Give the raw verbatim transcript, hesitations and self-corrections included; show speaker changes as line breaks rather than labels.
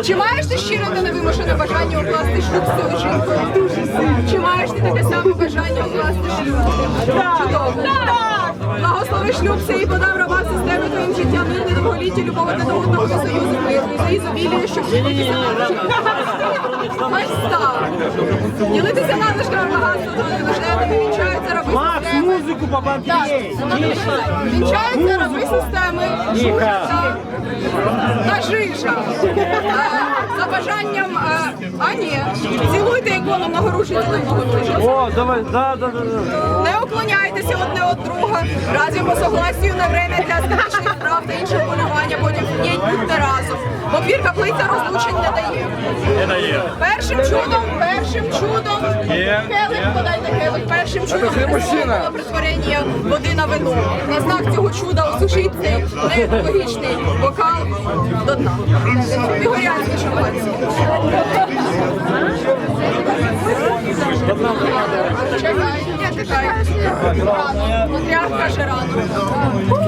Чи маєш ти щире та невимушене бажання укласти шлюб з цією жінкою? Чи маєш ти таке саме бажання укласти шлюб? Чудово. Благослови шлюб цей подав раба системи твоїм життям, мир, довголіття, любов одне до одного, союзу миру, і за ізобілію, щоб ділитися ось так. Ділитися надлишками багатства, то не важливо, вінчаються раби
Макс,
системи.
музику побанкрей!
Вінчаються раби системи, жужа та жижа. Е, За бажанням, е, а ні, цілуйте ікону многорушителевого ближче.
О, давай, да, да, да, да.
Не уклоняйтеся одне від друга, разом по согласію на время для скорішних справ та іншого полювання, потім вдіть будьте разом. Бо двір каплиця розлучень не дає.
Не дає.
Першим чудом, першим чудом,
Є,
келих,
є.
подайте келих, першим чудом Христового притворення води на вино. На знак цього чуда осушіть цей неекологічний бокал до дна. Бігорянський шампанський. Чекай, не чекай. Рано. Патріарх каже рано.